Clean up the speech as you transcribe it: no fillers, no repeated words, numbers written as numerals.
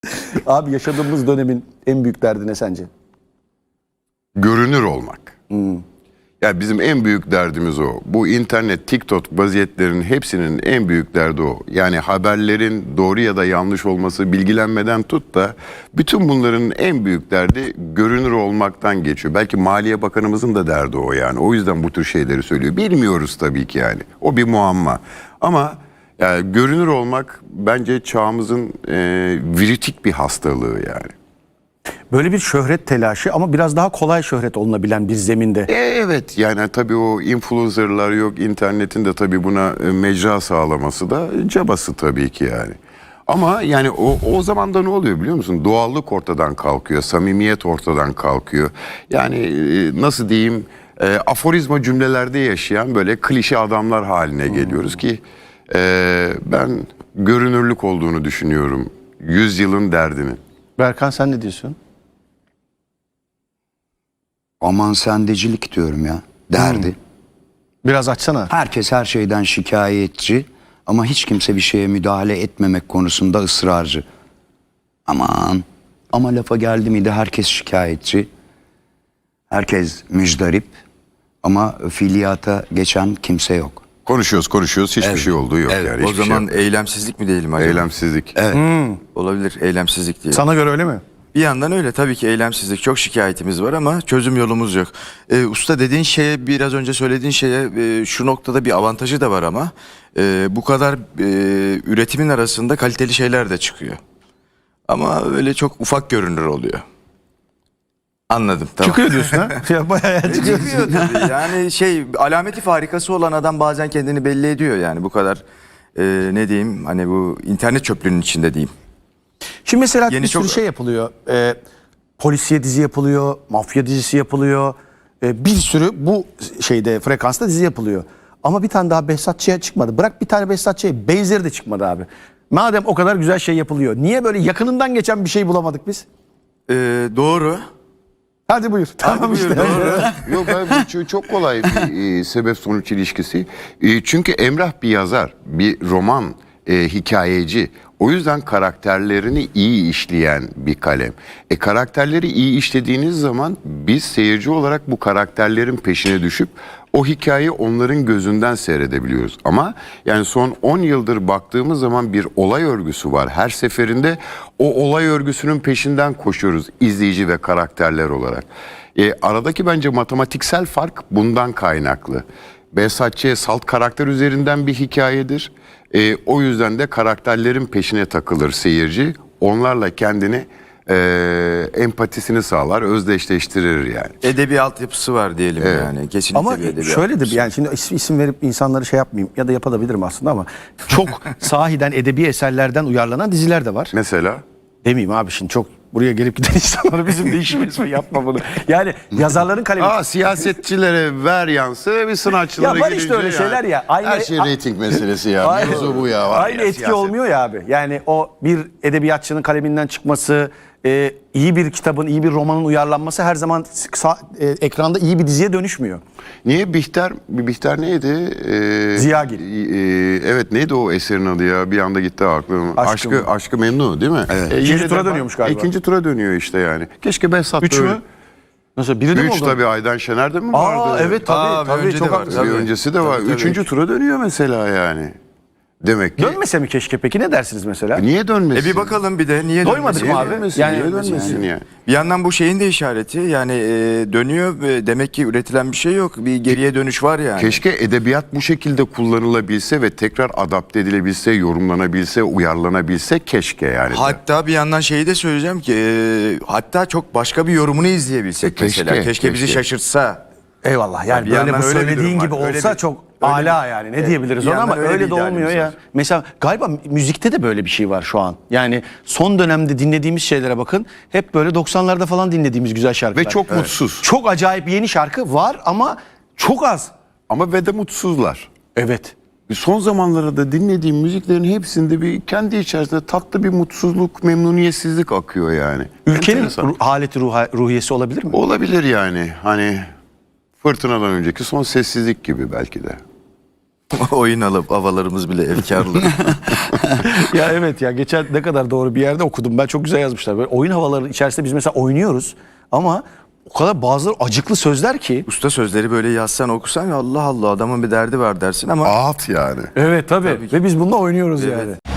Abi yaşadığımız dönemin en büyük derdi ne sence? Görünür olmak. Ya bizim en büyük derdimiz o. Bu internet, TikTok vaziyetlerinin hepsinin en büyük derdi o. Yani haberlerin doğru ya da yanlış olması, bilgilenmeden tut da bütün bunların en büyük derdi görünür olmaktan geçiyor. Belki Maliye Bakanımızın da derdi o yani. O yüzden bu tür şeyleri söylüyor. Bilmiyoruz tabii ki yani. O bir muamma. Ama yani görünür olmak bence çağımızın viritik bir hastalığı yani. Böyle bir şöhret telaşı ama biraz daha kolay şöhret olunabilen bir zeminde. Evet yani tabii o influencerlar yok, internetin de tabii buna mecra sağlaması da cabası tabii ki yani. Ama yani o zaman da ne oluyor biliyor musun? Doğallık ortadan kalkıyor, samimiyet ortadan kalkıyor. Yani nasıl diyeyim, aforizma cümlelerde yaşayan böyle klişe adamlar haline geliyoruz ki ben görünürlük olduğunu düşünüyorum yüzyılın derdinin. Berkan sen ne diyorsun? Aman sendecilik diyorum ya. Derdi. Biraz açsana. Herkes her şeyden şikayetçi ama hiç kimse bir şeye müdahale etmemek konusunda ısrarcı. Aman ama lafa geldi miydi herkes şikayetçi. Herkes müjdarip ama fiiliyata geçen kimse yok. Konuşuyoruz hiçbir şey olduğu yok Evet, yani. o hiçbir zaman şey eylemsizlik mi diyelim acaba? eylemsizlik. Olabilir, eylemsizlik diyelim. Sana göre öyle mi? Bir yandan öyle tabii ki eylemsizlik, çok şikayetimiz var ama çözüm yolumuz yok. Usta dediğin şeye, biraz önce söylediğin şeye şu noktada bir avantajı da var ama bu kadar üretimin arasında kaliteli şeyler de çıkıyor. Ama öyle çok ufak görünür oluyor. Anladım, tamam. Çıkıyor diyorsun ha? Ya bayağı çıkıyor. Çıkıyor tabii. Yani alameti farikası olan adam bazen kendini belli ediyor yani bu kadar ne diyeyim, hani bu internet çöplüğünün içinde diyeyim. Şimdi mesela Yeni bir sürü çok- şey yapılıyor. Polisiye dizi yapılıyor, mafya dizisi yapılıyor. Bir sürü bu şeyde frekansta dizi yapılıyor. Ama bir tane daha Behzat Ç'ye çıkmadı. Bırak bir tane Behzat Ç'ye, benzeri de çıkmadı abi. Madem o kadar güzel şey yapılıyor, niye böyle yakınından geçen bir şey bulamadık biz? Doğru. Hadi buyur. Tamam buyur, işte. doğru. Yok bu çok kolay bir sebep sonuç ilişkisi. Çünkü Emrah bir yazar, bir roman hikayeci. O yüzden karakterlerini iyi işleyen bir kalem. Karakterleri iyi işlediğiniz zaman biz seyirci olarak bu karakterlerin peşine düşüp o hikayeyi onların gözünden seyredebiliyoruz. Ama yani son 10 yıldır baktığımız zaman bir olay örgüsü var. Her seferinde o olay örgüsünün peşinden koşuyoruz izleyici ve karakterler olarak. Aradaki bence matematiksel fark bundan kaynaklı. Behzat Ç. salt karakter üzerinden bir hikayedir. O yüzden de karakterlerin peşine takılır seyirci. Onlarla kendini empatisini sağlar, özdeşleştirir yani. Edebi altyapısı var diyelim yani. Kesinlikle Ama bir edebi şöyle de altyapısı. yani şimdi isim verip insanları şey yapmayayım ya da yapabilirim aslında ama çok sahiden edebi eserlerden uyarlanan diziler de var. Mesela Demeyeyim abi şimdi çok buraya gelip giden insanlara bizim de işimiz mi, yapma bunu. Yani yazarların kalemi. siyasetçilere ver yansı, bir sanatçılara Ya var gelince işte öyle şeyler ya. Her şey reyting meselesi ya. Aynı- Mevzu bu ya. Var Aynı ya, etki siyaset. olmuyor ya abi. Yani o bir edebiyatçının kaleminden çıkması, iyi bir kitabın, iyi bir romanın uyarlanması her zaman ekranda iyi bir diziye dönüşmüyor. Niye Bihter neydi? Ziyagil. Evet neydi o eserin adı ya? Bir anda gitti aklım. Aşkı Aşkı Memnu değil mi? Evet. İkinci tura dönüyormuş galiba. İkinci tura dönüyor işte yani. Keşke Behzat 3 da öyle. mü? Nasıl biri de mi 3 oldu? tabii Aydan Şener'de mi vardı? Aa evet tabii bir önce çok de var. haklısın. Bir Tabii. öncesi de var. Tabii. Üçüncü tura dönüyor mesela yani. Demek ki. Dönmese mi keşke peki, ne dersiniz mesela? Niye dönmesin? Bir bakalım bir de niye Doymadık dönmesin? mı abi? Dönmesin, Yani- niye dönmesin ya? Bir yandan bu şeyin de işareti yani dönüyor ve demek ki üretilen bir şey yok. Bir geriye dönüş var yani. Keşke edebiyat bu şekilde kullanılabilse ve tekrar adapte edilebilse, yorumlanabilse, uyarlanabilse keşke yani. Hatta bir yandan şeyi de söyleyeceğim ki hatta çok başka bir yorumunu izleyebilsek Keşke, mesela. Keşke bizi keşke. şaşırtsa. Eyvallah yani Bir böyle yandan bu öyle bir söylediğin durum gibi var. Öyle olsa bir- çok öyle ala bir- yani ne diyebiliriz bir ona, ama yandan öyle öyle bir de olmuyor idealimiz ya. var. Mesela galiba müzikte de böyle bir şey var şu an. Yani son dönemde dinlediğimiz şeylere bakın, hep böyle 90'larda falan dinlediğimiz güzel şarkılar. Ve çok mutsuz. Çok acayip yeni şarkı var ama çok az. Ama ve de mutsuzlar. Evet. Son zamanlarda dinlediğim müziklerin hepsinde bir kendi içerisinde tatlı bir mutsuzluk, memnuniyetsizlik akıyor yani. Ülkenin Enteresan. haleti ruhiyesi olabilir mi? Olabilir yani. Hani fırtınadan önceki son sessizlik gibi belki de. Oyun alıp havalarımız bile efkarlı. Ya evet ya, geçen ne kadar doğru bir yerde okudum ben, çok güzel yazmışlar. Böyle oyun havaları içerisinde biz mesela oynuyoruz ama o kadar bazı acıklı sözler ki. Usta sözleri böyle yazsan okusan Allah Allah adamın bir derdi var dersin ama Ağıt yani. Evet tabii. Ve biz bununla oynuyoruz yani.